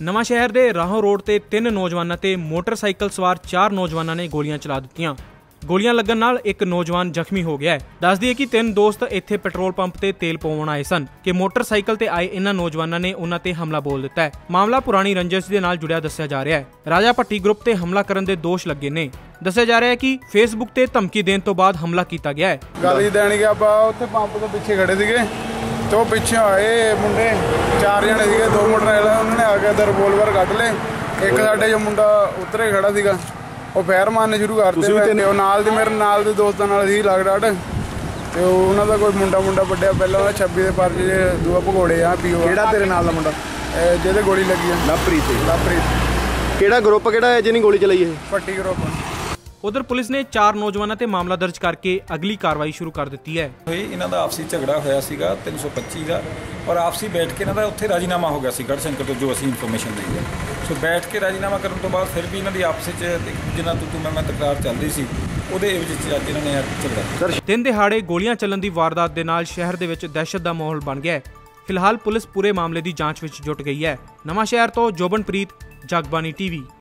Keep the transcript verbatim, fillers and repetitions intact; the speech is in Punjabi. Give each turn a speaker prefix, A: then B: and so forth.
A: ਨਵਾਂ ਸ਼ਹਿਰ ਦੇ ਰਾਹੋਂ ਰੋਡ ਤੇ ਤਿੰਨ ਨੌਜਵਾਨਾਂ ਤੇ ਮੋਟਰਸਾਈਕਲ ਸਵਾਰ ਚਾਰ ਨੌਜਵਾਨਾਂ ਨੇ ਗੋਲੀਆਂ ਚਲਾ ਦਿੱਤੀਆਂ। ਗੋਲੀਆਂ ਲੱਗਣ ਨਾਲ ਇੱਕ ਨੌਜਵਾਨ ਜ਼ਖਮੀ ਹੋ ਗਿਆ ਹੈ। ਦੱਸ ਦਈਏ ਕਿ ਤਿੰਨ ਦੋਸਤ ਇੱਥੇ ਪੈਟਰੋਲ ਪੰਪ ਤੇ ਤੇਲ ਪਵਾਉਣ ਆਏ ਸਨ ਕਿ ਮੋਟਰਸਾਈਕਲ ਤੇ ਆਏ ਇਹਨਾਂ ਨੌਜਵਾਨਾਂ ਨੇ ਉਹਨਾਂ ਤੇ ਹਮਲਾ ਬੋਲ ਦਿੱਤਾ ਹੈ। ਮਾਮਲਾ ਪੁਰਾਣੀ ਰੰਜਿਸ਼ ਦੇ ਨਾਲ ਜੁੜਿਆ ਦੱਸਿਆ ਜਾ ਰਿਹਾ ਹੈ। ਰਾਜਾ ਭੱਟੀ ਗਰੁੱਪ ਤੇ ਹਮਲਾ ਕਰਨ ਦੇ ਦੋਸ਼ ਲੱਗੇ ਨੇ। ਦੱਸਿਆ ਜਾ ਰਿਹਾ ਹੈ ਕਿ ਫੇਸਬੁੱਕ ਤੇ ਧਮਕੀ ਦੇਣ ਤੋਂ ਬਾਅਦ ਹਮਲਾ ਕੀਤਾ ਗਿਆ ਹੈ।
B: ਗਾਲੀ ਦੇਣ ਗਿਆ ਆਪਾਂ ਉੱਥੇ ਪੰਪ ਤੋਂ ਪਿੱਛੇ ਖੜੇ ਸੀਗੇ ਤੇ ਉਹ ਪਿੱਛੇ ਆਏ ਮੁੰਡੇ ਚਾਰ ਜਣੇ ਸੀਗੇ, ਦੋ ਮੋਟਰਸਾਈਕਲ ਉਹਨਾਂ ਨੇ ਆ ਕੇ ਤੇ ਰਿਵੋਲਵਰ ਕੱਢ ਲਏ। ਇੱਕ ਸਾਡੇ ਜੋ ਮੁੰਡਾ ਉੱਤਰੇ ਖੜਾ ਸੀਗਾ ਉਹ ਫੈਰ ਮਾਰਨੇ ਸ਼ੁਰੂ ਕਰਤੇ ਤੇ ਉਹ ਨਾਲ ਦੇ ਮੇਰੇ ਨਾਲ ਦੇ ਦੋਸਤਾਂ ਨਾਲ ਸੀ ਲਾਗ ਡਾਟ ਤੇ ਉਹਨਾਂ ਦਾ ਕੋਈ ਮੁੰਡਾ ਮੁੰਡਾ ਵੱਡਿਆ ਪਹਿਲਾਂ ਉਹਦਾ ਛੱਬੀ ਦੇ ਪਰਚੇ ਦੂਆ ਭਗੋੜੇ ਆ ਪੀਓ।
C: ਕਿਹੜਾ ਤੇਰੇ ਨਾਲ ਦਾ ਮੁੰਡਾ
B: ਜਿਹਦੇ ਗੋਲੀ ਲੱਗੀ ਆ?
C: ਲਵਪ੍ਰੀਤ।
B: ਲਵਪ੍ਰੀਤ।
C: ਕਿਹੜਾ ਗਰੁੱਪ ਕਿਹੜਾ ਹੈ ਜਿਹਨੇ ਗੋਲੀ ਚਲਾਈ ਇਹ?
B: ਭੱਟੀ ਗਰੁੱਪ।
A: उधर पुलिस ने चार नौजवानों ते मामला दर्ज करके अगली कार्रवाई शुरू कर दी है।
D: इन्हां दा आपसी झगड़ा होया सीगा तीन सौ पच्ची का और आपसी बैठ के इन्हां दा उत्थे राजीनामा हो गया सी गढ़शंकर तो जो असीं इन्फॉर्मेशन दी है। सो बैठ के राजीनामा करन तो बाद फिर भी इन्हां दी आपस च जिन्ना तू तू मैं मैं तकरार चल रही सी ਉਹਦੇ ਵਿੱਚ ਅੱਜ ਇਹਨਾਂ ਨੇ ਝਗੜਾ।
A: ਦਿਨ ਦਿਹਾੜੇ ਗੋਲੀਆਂ ਚੱਲਣ ਦੀ ਵਾਰਦਾਤ ਦੇ ਨਾਲ ਸ਼ਹਿਰ ਦੇ ਵਿੱਚ ਦਹਿਸ਼ਤ ਦਾ ਮਾਹੌਲ ਬਣ ਗਿਆ ਹੈ। ਫਿਲਹਾਲ ਪੁਲਿਸ ਪੂਰੇ ਮਾਮਲੇ ਦੀ ਜਾਂਚ ਵਿੱਚ ਜੁਟ ਗਈ ਹੈ। ਨਵਾਂ ਸ਼ਹਿਰ ਤੋਂ ਜੋਬਨਪ੍ਰੀਤ, ਜਗਬਾਣੀ ਟੀਵੀ।